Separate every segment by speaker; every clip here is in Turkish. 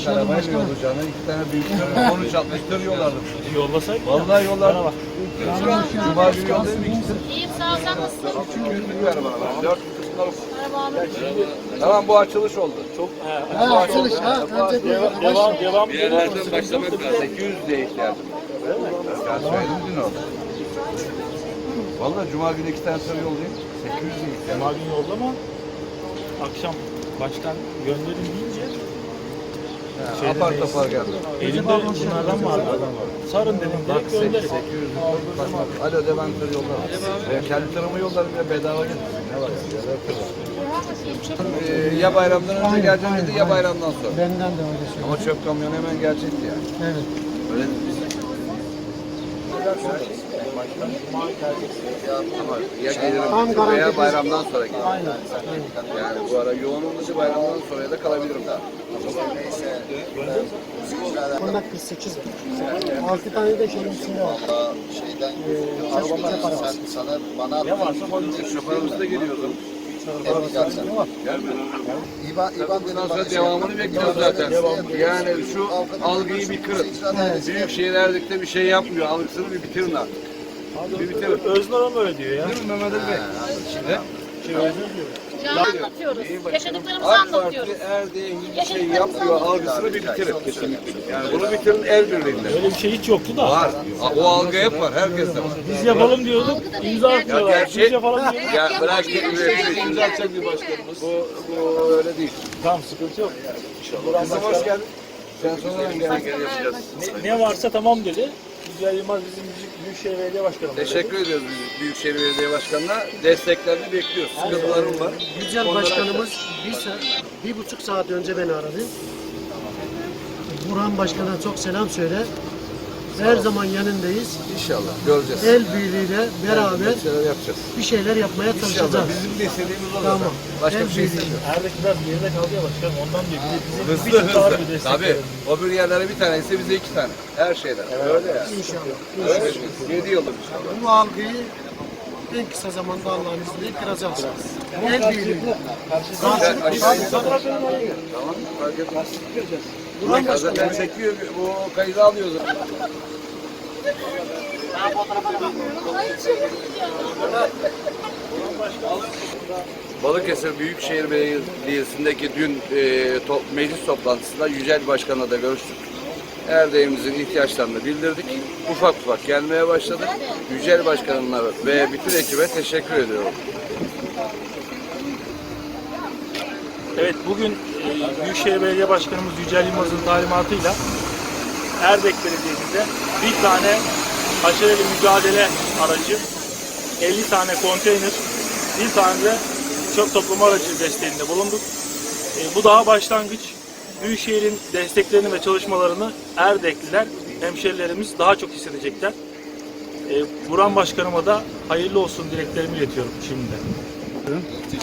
Speaker 1: İki arabayla yollayacağına 2 tane büyük tır, 13-60 tır yolladım.
Speaker 2: Yollasaydın.
Speaker 1: Vallahi yolladım. Cuma günü yollayayım 2 tır.
Speaker 3: İyiyim sağ ol, sen nasılsın?
Speaker 1: 3 günlük ver bana. 4 kısımlar olsun.
Speaker 3: Merhaba abi.
Speaker 1: Tamam bu açılış oldu.
Speaker 4: Çok
Speaker 5: Açılış ha. Önce bir
Speaker 4: devam
Speaker 1: Bir yerlerden başlamak lazım. 800 diye ihtiyacım var. Ben söyledim dün oldu. Vallahi Cuma günü 2 tane tır yollayayım. 800 diye ihtiyacım
Speaker 4: Cuma
Speaker 1: var.
Speaker 4: günü yollama. Akşam başkan gönderin deyince
Speaker 1: Apar topar geldi.
Speaker 4: elinde bunlardan vardı. Sarın dedim direkt gönder.
Speaker 1: 800 başmak. Alo de ben tır yollarım. Ben kendi tırımı yollarım ya bedava getirsin. Ne var ya? Ya bayramdan önce geleceğim dedi ya bayramdan sonra.
Speaker 5: benden de öyle söylüyor.
Speaker 1: Ama çöp kamyonu hemen gelecekti yani.
Speaker 5: Evet.
Speaker 1: Öyle mi? Ama ya
Speaker 5: Tam
Speaker 1: gelirim
Speaker 5: garanti
Speaker 1: veya
Speaker 5: biz-
Speaker 1: bayramdan sonra gelirim.
Speaker 5: Aynen.
Speaker 1: Yani bu ara yoğun olunca bayramdan sonra ya da kalabilirim daha.
Speaker 5: Bunda 48 6 tane de şeyin içinde var.
Speaker 6: Şeyden
Speaker 5: Arabamda para var.
Speaker 6: sana bana
Speaker 4: Ne varsa koydum.
Speaker 1: Şoförümüz de geliyordu.
Speaker 6: İban
Speaker 1: Bundan sonra devamını bekliyoruz zaten. Yani şu algıyı bir kırın. Büyük şehirlerde bir şey yapmıyor. Algısını bir bitirin artık. Bir bitirin.
Speaker 4: Öznur ama öyle diyor ya.
Speaker 1: Değil mi Mehmet Ali Bey?
Speaker 3: Canlı anlatıyoruz. Yaşadıklarımızı
Speaker 1: AK Parti
Speaker 3: anlatıyoruz.
Speaker 1: Erdoğan hiçbir şey yapmıyor algısını bir bitirin. Kesinlikle. Yani bunu bitirin el birliğinde.
Speaker 4: Öyle bir şey hiç yoktu da.
Speaker 1: Var. O algı hep var. Herkeste var.
Speaker 4: Biz yapalım diyorduk. İmza atmıyorlar.
Speaker 1: gerçek-
Speaker 4: Biz yapalım diyorduk.
Speaker 1: Ya bırak imza atacak bir başkanımız. Bu öyle değil.
Speaker 4: Tamam sıkıntı yok.
Speaker 1: Kızım hoş geldin. Sen sonradan gel yapacağız.
Speaker 4: Ne varsa tamam dedi. Yücel Yılmaz bizim Büyükşehir Belediye Başkanımız.
Speaker 1: Teşekkür ediyoruz biz Büyükşehir Belediye Başkanı'na. Desteklerini bekliyoruz. Sıkıntılarım var.
Speaker 5: Yücel
Speaker 1: Onları
Speaker 5: Başkanımız 1,5 saat önce beni aradı. Burhan Başkan'a çok selam söyle. Her zaman yanındayız.
Speaker 1: İnşallah göreceğiz.
Speaker 5: El birliğiyle beraber
Speaker 1: Bir şeyler yapacağız.
Speaker 5: bir şeyler yapmaya
Speaker 1: İnşallah.
Speaker 5: çalışacağız.
Speaker 1: Bizim de istediğimiz o
Speaker 5: Tamam.
Speaker 1: zaten. Başka bir şey
Speaker 5: El birliği.
Speaker 1: istemiyoruz.
Speaker 4: Erdek biraz geride kaldı ya başkanım. Ondan diyor. Bizim
Speaker 1: Hızlı
Speaker 4: bir daha bir
Speaker 1: hızlı.
Speaker 4: destek
Speaker 1: Tabii.
Speaker 4: verelim.
Speaker 1: O bir yerlere bir tane ise bize 2 tane. Her şeyden. Öyle yani.
Speaker 5: İnşallah.
Speaker 1: Öyle. 7 yıldır inşallah.
Speaker 5: Bu algıyı en kısa zamanda Allah'ın izniyle kıracağız. El birliği.
Speaker 1: Tamam. Fark etmez.
Speaker 5: Burhan Başkanı.
Speaker 1: Zaten çekiyor. Bu kaydı alıyoruz. Balıkesir Büyükşehir Belediyesi'ndeki dün meclis toplantısında Yücel Başkan'la da görüştük. Erdeğimizin ihtiyaçlarını bildirdik. Ufak ufak gelmeye başladık. Yücel Başkan'la ve bütün ekibe teşekkür ediyorum.
Speaker 4: Evet bugün Büyükşehir Belediye Başkanımız Yücel Yılmaz'ın talimatıyla Erdek Belediye'mizde bir tane haşereli mücadele aracı, 50 tane konteyner, bir tane de çöp toplama aracı desteğinde bulunduk. Bu daha başlangıç. Büyükşehir'in desteklerini ve çalışmalarını Erdekliler, hemşerilerimiz daha çok hissedecekler. Burhan Başkanıma da hayırlı olsun dileklerimi iletiyorum şimdiden.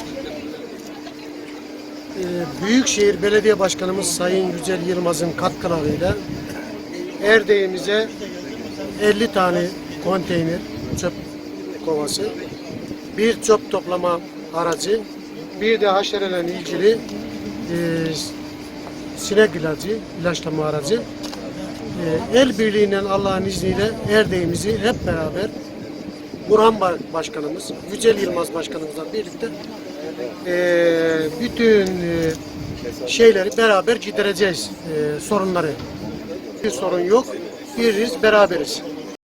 Speaker 5: Büyükşehir Belediye Başkanımız Sayın Yücel Yılmaz'ın katkılarıyla Erdeğimize 50 tane konteyner çöp kovası, bir çöp toplama aracı, bir de haşerelerle ilgili sinek ilacı, ilaçlama aracı. El birliğiyle Allah'ın izniyle Erdeğimizi hep beraber Burhan Başkanımız, Yücel Yılmaz Başkanımızla birlikte bütün şeyleri beraber gidereceğiz, sorunları. Bir sorun yok, biriz, beraberiz.